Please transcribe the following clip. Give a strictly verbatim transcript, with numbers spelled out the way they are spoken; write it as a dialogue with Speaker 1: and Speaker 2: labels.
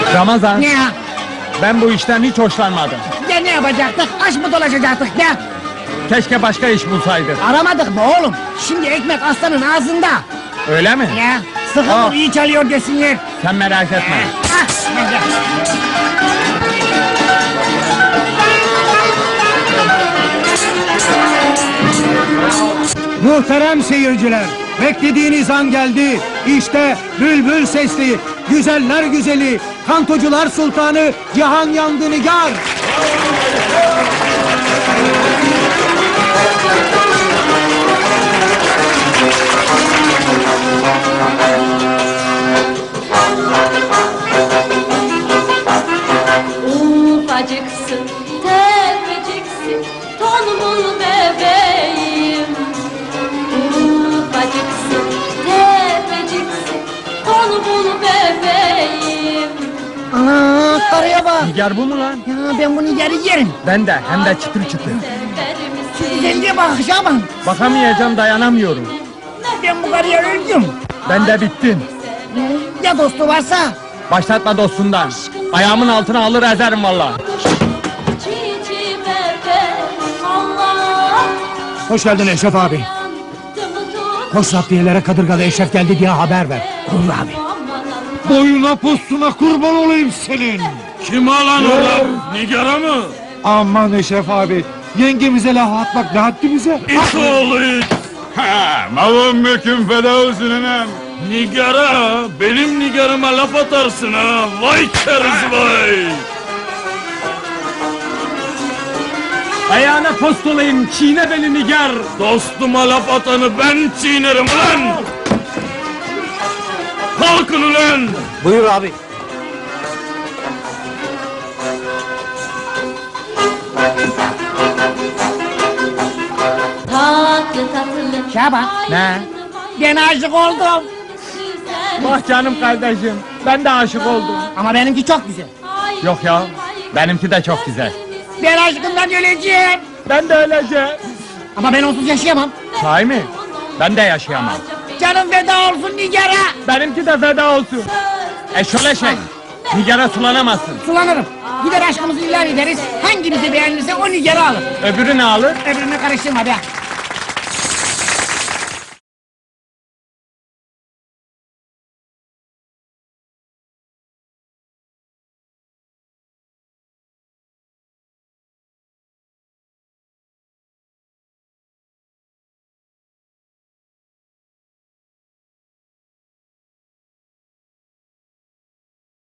Speaker 1: Ramazan,
Speaker 2: Ne ya?
Speaker 1: ben bu işten hiç hoşlanmadım.
Speaker 2: Ya ne yapacaktık? Aç mı dolaşacaktık ya?
Speaker 1: Keşke başka iş bulsaydık.
Speaker 2: Aramadık mı oğlum? Şimdi ekmek aslanın ağzında.
Speaker 1: Öyle mi?
Speaker 2: Ya sıkı
Speaker 1: Aa.
Speaker 2: vur, iyi çalıyor desinler.
Speaker 1: Sen merak etme.
Speaker 2: Ah, hadi.
Speaker 3: Muhterem seyirciler, beklediğiniz an geldi. İşte bülbül sesli, güzeller güzeli, kantocular sultanı Cihan Yandı Nigar.
Speaker 4: Ufacıksın, tepeciksin, tombul bebeğim. Ufacıksın, tepeciksin, tombul bebeğim.
Speaker 2: Ana karıya bak.
Speaker 1: Nigar bu mu lan?
Speaker 2: Ya ben bunu yeri yerim.
Speaker 1: Ben de, hem de çıtır çıtır.
Speaker 4: Sever misin?
Speaker 2: Güzelliğe bak Şaban.
Speaker 1: Bakamayacağım, dayanamıyorum.
Speaker 2: Ben bu karıya öldüm.
Speaker 1: Ben de bittim.
Speaker 2: Ya dostu varsa?
Speaker 1: Başlatma dostundan. Ayağımın altına alır ezerim valla.
Speaker 4: Cici bebe, Allah.
Speaker 3: Hoş geldin Eşref abi. Koş zaptiyelere kadırgalı Eşref geldi diye haber ver. Olur abi.
Speaker 5: Boyuna postuna kurban olayım senin. Kim alan oğlum? Nigara mı?
Speaker 3: Aman Eşref abi, yengemize laf atmak ne haddi bize?
Speaker 5: İt oğlu it. Ha, malum mülküm feda olsun anam. Nigara, benim nigarıma laf atarsın ha. Vay keriz vay.
Speaker 1: Ayağına post olayım, çiğne beni Nigar.
Speaker 5: Dostuma laf atanı ben çiğnerim ulan. Kalkın ulan.
Speaker 3: Buyur abi.
Speaker 4: Tatlı tatlı.
Speaker 2: Şaban.
Speaker 1: Ne?
Speaker 2: Ben aşık oldum.
Speaker 1: Bak canım kardeşim, ben de aşık oldum.
Speaker 2: Ama benimki çok güzel.
Speaker 1: Yok ya, benimki de çok güzel.
Speaker 2: Ben aşkımdan öleceğim.
Speaker 1: Ben de öleceğim.
Speaker 2: Ama ben onsuz yaşayamam.
Speaker 1: Sahi mi? Ben de yaşayamam.
Speaker 2: Canım feda olsun Nigar'a.
Speaker 1: Benimki de feda olsun. E şöyle şey, Nigar'a sulanamazsın.
Speaker 2: Sulanırım. Gider aşkımızı ilan ederiz. Hangimizi beğenirse o Nigar'ı alır.
Speaker 1: Öbürü ne alır?
Speaker 2: Öbürünü karıştırma be.